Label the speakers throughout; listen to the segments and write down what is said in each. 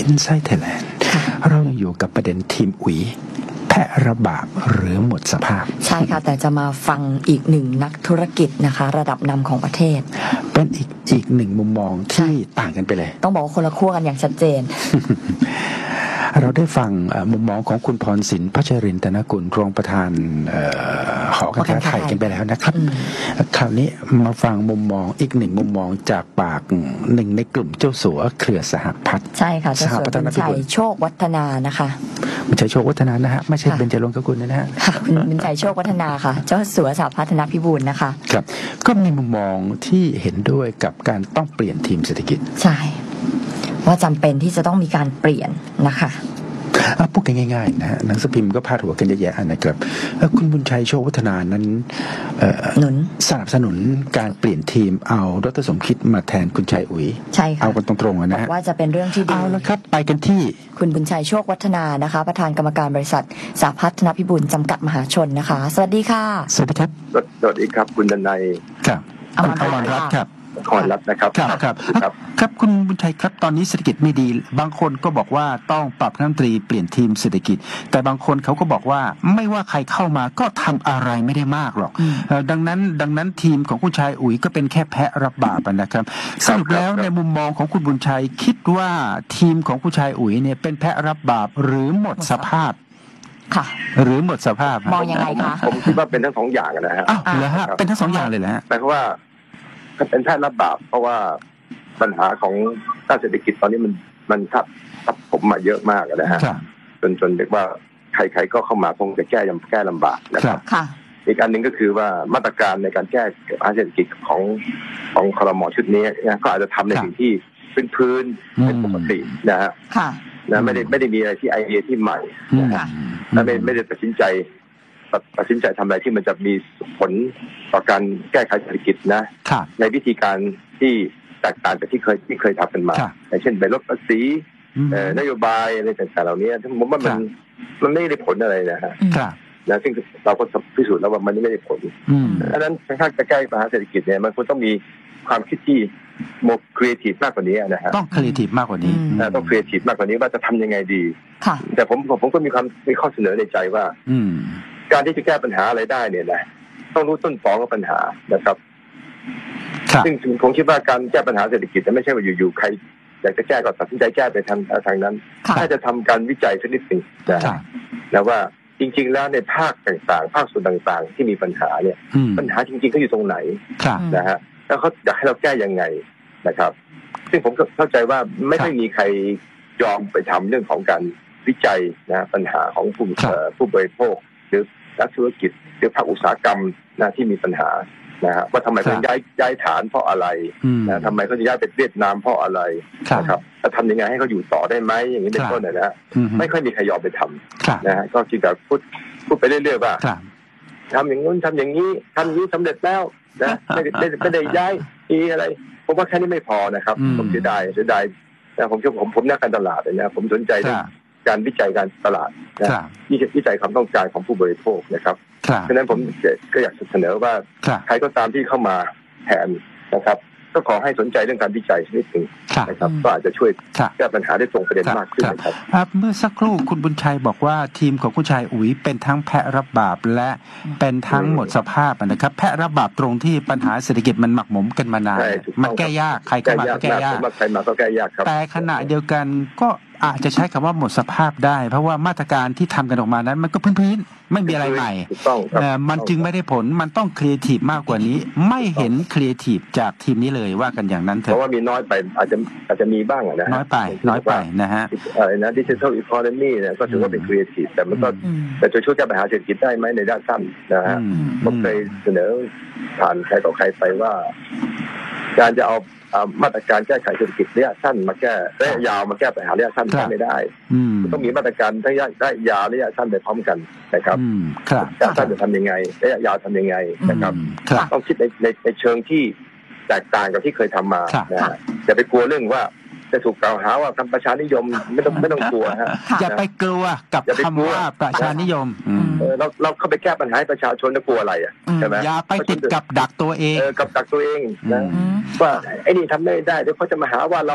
Speaker 1: Inside Thailand เรายังอยู่กับประเด็นทีมอุ๋ยแพะระบาดหรือหมดสภาพ
Speaker 2: ใช่ค่ะแต่จะมาฟังอีกหนึ่งนักธุรกิจนะคะระดับนำของประเทศ
Speaker 1: เป็นอีกหนึ่งมุมมองที่ต่างกันไปเลย
Speaker 2: ต้องบอกว่าคนละขั้วกันอย่างชัดเจน
Speaker 1: เราได้ฟังมุมมองของคุณพรศิลป์พัชรินทร์ธนกุลรองประธานหอการค้าไทยกันไปแล้วนะครับคราวนี้มาฟังมุมมองอีกหนึ่งมุมมองจากปากหนึ่งในกลุ่มเจ้าสัวเครือสหพัฒน์
Speaker 2: ใช่ค่ะเจ้าสัวบุญชัยโชควัฒนานะคะ
Speaker 1: บุญชัยโชควัฒนานะฮะไม่ใช่เบญจรงค์กุลนะฮะ
Speaker 2: บุญชัยโชควัฒนาค่ะเจ้าสัวสหพัฒนพิบูลนะคะ
Speaker 1: ครับก็มีมุมมองที่เห็นด้วยกับการต้องเปลี่ยนทีมเศรษฐกิจ
Speaker 2: ใช่ว่าจำเป็นที่จะต้องมีการเปลี่ยนนะคะ
Speaker 1: พูดกันง่ายๆนะฮะหนังสือพิมพ์ก็พาดหัวกันเยอะแยะนะครับคุณบุญชัยโชควัฒนานั้นสนับสนุนการเปลี่ยนทีมเอาดร.สมคิดมาแทนคุณชัยอุ๋ย
Speaker 2: ใช่ค่ะ
Speaker 1: เอากันตรงๆนะฮะ
Speaker 2: ว่าจะเป็นเรื่องที่ดี
Speaker 1: เอาละครับไปกันที่
Speaker 2: คุณบุญชัยโชควัฒนานะคะประธานกรรมการบริษัทสหพัฒนพิบูลจำกัดมหาชนนะคะสวัสดีค่ะ
Speaker 1: สวัสดีครับ
Speaker 3: สวัสดีครับคุณดนัย
Speaker 1: ครับอมรรัตน์ครับ
Speaker 3: ขอรับนะครับ
Speaker 1: ครับคุณบุญชัยครับตอนนี้เศรษฐกิจไม่ดีบางคนก็บอกว่าต้องปรับคณะรัฐมนตรีเปลี่ยนทีมเศรษฐกิจแต่บางคนเขาก็บอกว่าไม่ว่าใครเข้ามาก็ทำอะไรไม่ได้มากหรอกดังนั้นทีมของคุณชัยอุ๋ยก็เป็นแค่แพะรับบาปนะครับสรุปแล้วในมุมมองของคุณบุญชัยคิดว่าทีมของคุณชัยอุ๋ยเนี่ยเป็นแพะรับบาปหรือหมดสภาพ
Speaker 2: ค่ะ
Speaker 1: หรือหมดสภาพ
Speaker 2: มองยังไงคะ
Speaker 3: ผมคิดว่าเป็นทั้งสองอย่างนะฮะ
Speaker 1: อ้าวเหรอฮะเป็นทั้งสองอย่างเลยแหละ
Speaker 3: แต่ว่าเป็นแพทย์รับบาปเพราะว่าปัญหาของด้านเศรษฐกิจตอนนี้มันทับผมมาเยอะมากนะฮะจนเรียกว่าใครๆก็เข้ามาคงจะแก้ลำบากนะครับอีกอันหนึ่งก็คือว่ามาตรการในการแก้ปัญหาเศรษฐกิจของครม.ชุดนี้นะก็อาจจะทำในสิ่งที่พื้นเป็นปกตินะฮะนะไม่ได้มีอะไรที่ไอเดียที่ใหม่นะฮะและไม่ได้ตัดสินใจทำอะไรที่มันจะมีผลต่อการแก้ไขเศรษฐกิจนะในวิธีการที่แตกต่างจากที่เคยทำกันมาอย่างเช่นไปลดภาษีนโยบายอะไรต่างๆเหล่านี้ผมว่ามันไม่ได้ผลอะไรนะฮะนะซึ่งเราก็พิสูจน์แล้วว่ามันไม่ได้ผลดังนั้นถ้าจะแก้ปัญหาเศรษฐกิจเนี่ยมันควรต้องมีความคิดที่โมกครีเอทีฟมากกว่านี้นะฮะ
Speaker 1: ต้องครีเอทีฟมากกว่านี้
Speaker 3: ต้องครีเอทีฟมากกว่านี้ว่าจะทำยังไงดีแต่ผมก็มีข้อเสนอในใจว่าการที่จะแก้ปัญหาอะไรได้เนี่ยนะต้องรู้ต้นตอของปัญหานะครับซึ่งผมคิดว่าการแก้ปัญหาเศรษฐกิจไม่ใช่ว่าอยู่ๆใครอยากจะแก้ก็ตัดสินใจแก้ไปทางนั้นถ้าจะทำการวิจัยสักนิดหนึ่งนะว่าจริงๆแล้วในภาคต่างๆภาคส่วนต่างๆที่มีปัญหาเนี่ยปัญหาจริงๆเขาอยู่ตรงไหนนะฮะแล้วเขาอยากให้เราแก้ยังไงนะครับซึ่งผมก็เข้าใจว่าไม่ได้มีใครยอมไปทำเรื่องของการวิจัยนะปัญหาของผู้บริโภคหรือนักธุรกิจหรือภาคอุตสาหกรรมนะที่มีปัญหานะฮะว่าทำไมเขาย้ายฐานเพราะอะไรนะทำไมเขาจะย้ายไปเวียดนามเพราะอะไรนะครับจะทำยังไงให้เขาอยู่ต่อได้ไหมอย่างนี้เป็นต้นนะฮะไม่ค่อยมีใครยอมไปทำนะฮะก็จริงแต่พูดไปเรื่อยๆว่าทำอย่างนู้นทำอย่างนี้ทำอย่างนี้สำเร็จแล้วนะไม่ได้ย้ายอะไรผมว่าแค่นี้ไม่พอนะครับผมเสียดายนะผมนักการตลาดเลยนะผมสนใจการวิจัยการตลาดนะวิจัยความต้องการของผู้บริโภคนะครับเพราะฉะนั้นผมก็อยากเสนอว่าใครก็ตามที่เข้ามาแทนนะครับก็ขอให้สนใจเรื่องการวิจัยชนิดหนึ่งนะครับก็อาจจะช่วยแก้ปัญหาได้ตรงประเด็นมากขึ้น
Speaker 1: นะครับเมื่อสักครู่คุณบุญชัยบอกว่าทีมของคุณชัยอุ๋ยเป็นทั้งแพะรับบาปและเป็นทั้งหมดสภาพนะครับแพะรับบาปตรงที่ปัญหาเศรษฐกิจมันหมักหมมกันมานานมันแก้ยากใครเข้ามาก็แก้ยาก
Speaker 3: ใครมาก็แก้ยากครับ
Speaker 1: แต่ขณะเดียวกันก็อาจจะใช้คำว่าหมดสภาพได้เพราะว่ามาตรการที่ทำกันออกมานั้นมันก็พื้นๆไม่มีอะไรใหม่มันจึงไม่ได้ผลมันต้องครีเอทีฟมากกว่านี้ไม่เห็นครีเอทีฟจากทีมนี้เลยว่ากันอย่างนั้นเถอะ
Speaker 3: เพราะว่ามีน้อยไปอาจจะมีบ้างนะ
Speaker 1: น้อยไปนะฮะ
Speaker 3: อะไรนะดิจิทัลอีโคโนมีเนี่ยก็ถือว่าเป็นครีเอทีฟแต่มันก็แต่จะช่วยแก้ปัญหาเศรษฐกิจได้ไหมในด้านสั้นนะฮะผมเคยเสนอผ่านใครต่อใครไปว่าการจะเอามาตรการแก้ไขเศรษฐกิจระยะสั้นมาแก้ระยะยาวมาแก้ปัญหาระยะสั้นไม่ได้ต้องมีมาตรการระยะยาวระยะสั้นไปพร้อมกันนะครับระยะสั้นจะทำยังไงระยะยาวทำยังไงนะครับต้องคิดในเชิงที่แตกต่างกับที่เคยทำมานะฮะอย่าไปกลัวเรื่องว่าจะถูกกล่าวหาว่าทำประชานิยมไม่ต้องกลัวฮะ
Speaker 1: อย่าไปกลัวกับคำว่าประชานิยม
Speaker 3: เราเข้าไปแก้ปัญหาให้ประชาชนจะกลัวอะไรอ่ะใช่ไหม
Speaker 1: อย่าไปติดกับดักตัวเอง
Speaker 3: กับดักตัวเองนะว่าไอ้นี่ทำไม่ได้เดี๋ยวเขาจะมาหาว่าเรา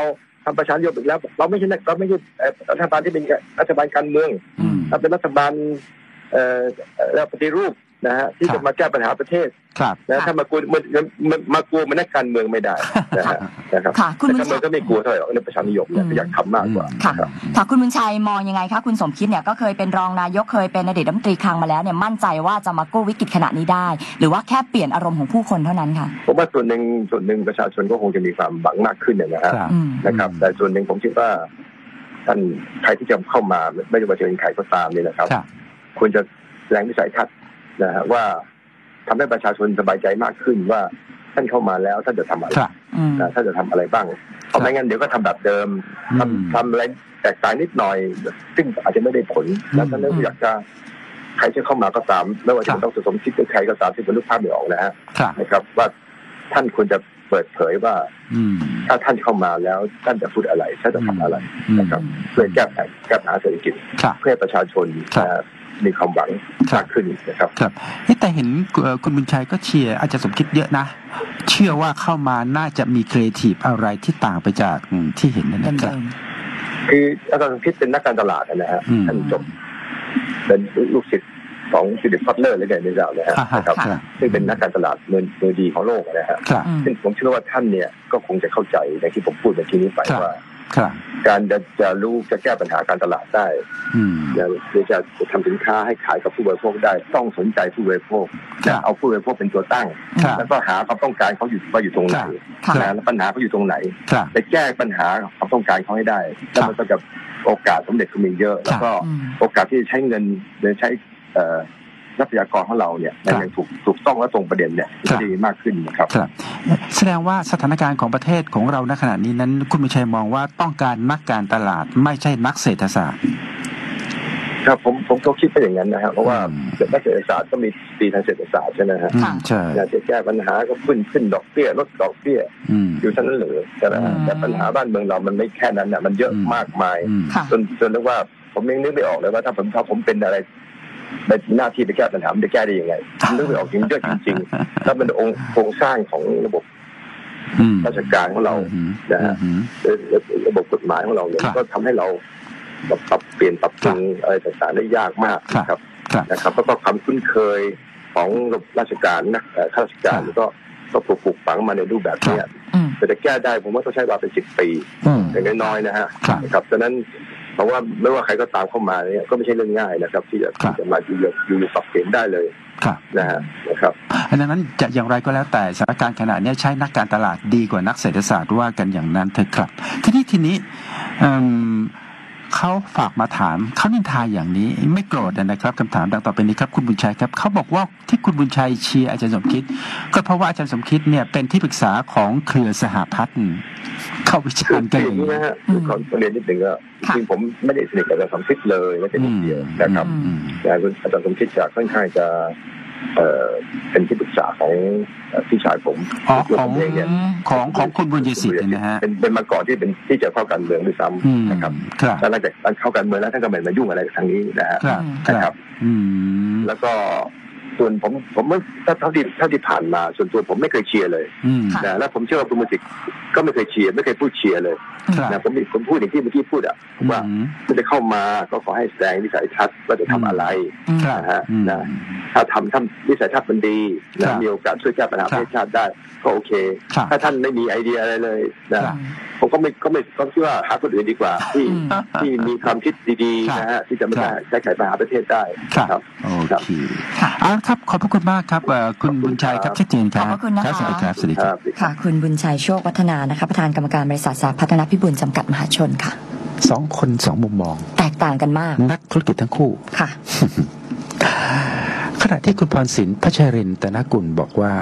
Speaker 3: ทำประชานิยมอีกแล้วเราไม่ใช่รัฐบาลที่เป็นรัฐบาลการเมืองเราเป็นรัฐบาลแล้วปฏิรูปนะฮะที่จะมาแก้ปัญหาประเทศนะถ้ามากลัวมันนักการเมืองไม่ได้นะครับคุณบุญชัยก็ไม่กลัวเท่าไหร่ในประชานิยมเนี่ยอยากทำมากกว่า
Speaker 2: ค่ะคุณบุญชัยมองยังไงคะคุณสมคิดเนี่ยก็เคยเป็นรองนายกเคยเป็นอดีตรัฐมนตรีคลังมาแล้วเนี่ยมั่นใจว่าจะมากู้วิกฤตขณะนี้ได้หรือว่าแค่เปลี่ยนอารมณ์ของผู้คนเท่านั้นค่ะ
Speaker 3: ผมว่าส่วนหนึ่งประชาชนก็คงจะมีความหวังมากขึ้นนะครับแต่ส่วนหนึ่งผมคิดว่าท่านใครที่จะเข้ามาไม่ว่าจะเป็นใครก็ตามนี่นะครับควรจะแสดงวิสัยทัศน์นะฮะว่าทำให้ประชาชนสบายใจมากขึ้นว่าท่านเข้ามาแล้วท่านจะทำอะไรท่านจะทำอะไรบ้างเพราะไม่งั้นเดี๋ยวก็ทำแบบเดิมทำอะไรแตกต่างนิดหน่อยซึ่งอาจจะไม่ได้ผลแล้วท่านอยากจะใครจะเข้ามาก็ตามไม่ว่าจะต้องสมคิดหรือใครก็ตามที่เป็นลูกภาพไม่ออกนะฮะนะครับว่าท่านควรจะเปิดเผยว่าถ้าท่านเข้ามาแล้วท่านจะพูดอะไรท่านจะทำอะไรนะครับเพื่อแก้ปัญหาเศรษฐกิจเพื่อประชาชนมีความหวังมากขึ้นนะครับ
Speaker 1: ครับแต่เห็นคุณบุญชัยก็เชียร์อาจารย์สมคิดเยอะนะเชื่อว่าเข้ามาน่าจะมีครีเอทีฟอะไรที่ต่างไปจากที่เห็นนั่นนะครับ
Speaker 3: คืออาจารย์สมคิดเป็นนักการตลาดนะฮะท่านจบเป็นลูกศิษย์ของฟิลิป คัตเลอร์หรือไงไม่ทราบนะครับซึ่งเป็นนักการตลาดมือดีของโลกนะฮะซึ่งผมเชื่อว่าท่านเนี่ยก็คงจะเข้าใจในที่ผมพูดเมื่อกี้นี้ไปว่าการจะรู้จะแก้ปัญหาการตลาดได้หรือจะทำสินค้าให้ขายกับผู้บริโภคได้ต้องสนใจผู้บริโภคจะเอาผู้บริโภคเป็นตัวตั้งแล้วก็หาความต้องการเขาอยู่ตรงไหนแล้วปัญหาเขาอยู่ตรงไหนไปแก้ปัญหาความต้องการเขาให้ได้แล้วมันก็จะโอกาสสำเร็จก็มีเยอะแล้วก็โอกาสที่จะใช้เงินหรือใช้ทรัพยากรของเราเนี่ยอย่างถูกต้องและตรงประเด็นเนี่ยจะดีมากขึ้นนะครับ
Speaker 1: แสดงว่าสถานการณ์ของประเทศของเราณขณะนี้นั้นคุณบุญชัยมองว่าต้องการนักการตลาดไม่ใช่นักเศรษฐศาสตร์
Speaker 3: ครับผมก็คิดไปอย่างนั้นนะครับเพราะว่านักเศรษฐศาสตร์ก็มีตีทางเศรษฐศาสตร์ใช่ไหมฮะอยากจะแก้ปัญหาก็ขึ้นดอกเบี้ยลดดอกเบี้ยอยู่เท่านั้นเลยแต่ปัญหาบ้านเมืองเรามันไม่แค่นั้นน่ะมันเยอะมากมายจนเรียกว่าผมยังนึกไม่ออกเลยว่าถ้าผมเป็นอะไรในหน้าที่ไปแก้ปัญหาจะแก้ได้ยังไงนึกไม่ออกจริงเยอะจริงๆแล้วเป็นโครงสร้างของระบบราชการของเรานะฮะระบบกฎหมายของเราเนี่ยก็ทำให้เราปรับเปลี่ยนปรับปรุงอะไรต่างๆได้ยากมากนะครับแล้วก็ความคุ้นเคยของราชการนะข้าราชการก็ปลูกฝังมาในรูปแบบนี้แต่จะแก้ได้ผมว่าต้องใช้เวลาเป็น10 ปีอย่างน้อยๆนะฮะครับฉะนั้นเพราะว่าไม่ว่าใครก็ตามเข้ามาเนี่ยก็ไม่ใช่เรื่องง่ายนะครับที่จะมาอยู่ปรับเปลี่ยนได้เลยนะครับ
Speaker 1: ดังนั้นจะอย่างไรก็แล้วแต่สถานการณ์ขณะนี้ใช้นักการตลาดดีกว่านักเศรษฐศาสตร์ว่ากันอย่างนั้นเถอะครับทีนี้เขาฝากมาถามเขานินทาอย่างนี้ไม่โกรธนะครับคำถามดังต่อไปนี้ครับคุณบุญชัยครับเขาบอกว่าที่คุณบุญชัยเชียร์อาจารย์สมคิดก็เพราะว่าอาจารย์สมคิดเนี่ยเป็นที่ปรึกษาของเครือสหพัฒน์เข้าวิจารณ์กันอย่างนี้
Speaker 3: นะฮะขอเรียนนิดนึงว่าจริงผมไม่ได้สนิทกับอาจารย์สมคิดเลยไม่ใช่นิดเดียวนะครับแต่อาจารย์สมคิดจะค่อนข้างจะเป็นที่ปรึกษาของพี่ชายผม
Speaker 1: ของคุณบุญยศิษย์นะฮะ
Speaker 3: เป็นมาก่อนที่เป็นที่จะเข้าการเมืองด้วยซ้ำนะครับแล้วหลังจากเข้าการเมืองแล้วท่านก็ไม่มายุ่งอะไรกับทางนี้นะฮะนะครับแล้วก็ส่วนผมเท่าที่ผ่านมาส่วนตัวผมไม่เคยเชียร์เลยนะแล้วผมเชื่อว่าคุณบุญยศิษย์ก็ไม่เคยเชียร์ไม่เคยพูดเชียร์เลยนะผมพูดอย่างที่เมื่อกี้พูดอ่ะว่าถ้าจะเข้ามาก็ขอให้แสดงวิสัยทัศน์ว่าจะทำอะไรนะฮะนะถ้าทำวิสัยทัศน์มันดีและมีโอกาสช่วยแก้ปัญหาประเทศชาติได้ก็โอเคถ้าท่านไม่มีไอเดียอะไรเลยนะผมก็ไม่คิดว่าหาคนอื่นดีกว่าที่มีความคิดดีๆนะฮะที่จะมาแก้ไขปัญหาประเทศได้
Speaker 1: ครับโอเคครับขอบพระคุณมากครับคุณบุญชัยครับชัดเจนครับ
Speaker 2: ขอบคุณนะคะ
Speaker 1: สวัสดีครับสวัสดีครับ
Speaker 2: ค่ะคุณบุญชัยโชควัฒนานะคะประธานกรรมการบริษัทสาพัฒนพิบูลจำกัดมหาชนค่ะ
Speaker 1: 2 คน2 มุมมอง
Speaker 2: แตกต่างกันมาก
Speaker 1: นักธุรกิจทั้งคู่
Speaker 2: ค่ะ
Speaker 1: ขณะที่คุณพรศิลป์พัชรินทร์ตนกุลบอกว่า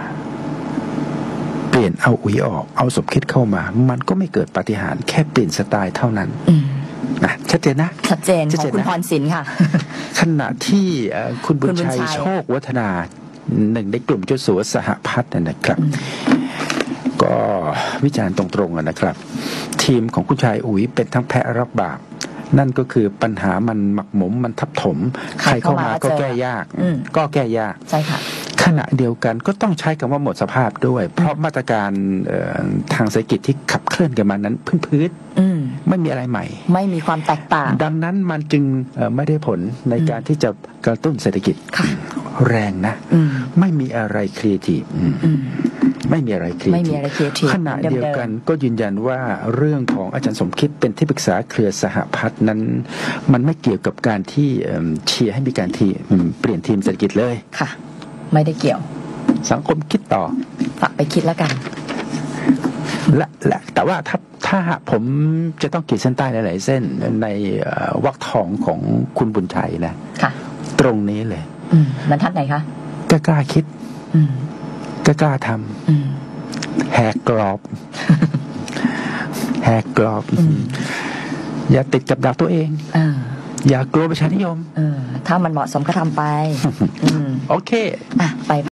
Speaker 1: เปลี่ยนเอาอุ๋ยออกเอาสมคิดเข้ามามันก็ไม่เกิดปาฏิหาริย์แค่เปลี่ยนสไตล์เท่านั้นนะชัดเจนนะ
Speaker 2: ชัดเจนของคุณพรศิลป์ค่ะ
Speaker 1: ขณะที่คุณบุญชัยโชควัฒนาหนึ่งในกลุ่มเจ้าสัวสหพัฒน์นะครับก็วิจารณ์ตรงๆนะครับทีมของคุณชายอุ๋ยเป็นทั้งแพะรับบาปนั่นก็คือปัญหามันหมักหมมมันทับถมใครเข้ามาก็แก้ยาก
Speaker 2: ใช่ค่ะ
Speaker 1: ขณะเดียวกันก็ต้องใช้คำว่าหมดสภาพด้วย เพราะมาตรการทางเศรษฐกิจที่ขับเคลื่อนกันมานั้นพื้นไม่มีอะไรใหม่
Speaker 2: ไม่มีความแตกต่าง
Speaker 1: ดังนั้นมันจึงไม่ได้ผลในการที่จะกระตุ้นเศรษฐกิจแรงนะไม่มีอะไรครีเอทีฟไม่มีอะไรครีเอทีฟขณะเดียวกันก็ยืนยันว่าเรื่องของอาจารย์สมคิดเป็นที่ปรึกษาเครือสหพัฒน์นั้นมันไม่เกี่ยวกับการที่เชียร์ให้มีการเปลี่ยนทีมเศรษฐกิจเลย
Speaker 2: ค่ะไม่ได้เกี่ยว
Speaker 1: สังคมคิดต่อ
Speaker 2: ฝากไปคิดแล้วกัน
Speaker 1: และแต่ว่าถ้าผมจะต้องขีดเส้นใต้หลายๆเส้นในวรรคทองของคุณบุญชัยนะตรงนี้เลย
Speaker 2: บรรทัดไหนคะ
Speaker 1: กล้าคิดกล้าทำแหกกรอบแหกกรอบอย่าติดกับดักตัวเองอย่ากลัวประชานิยม
Speaker 2: ถ้ามันเหมาะสมก็ทำไป
Speaker 1: โอเค
Speaker 2: ไป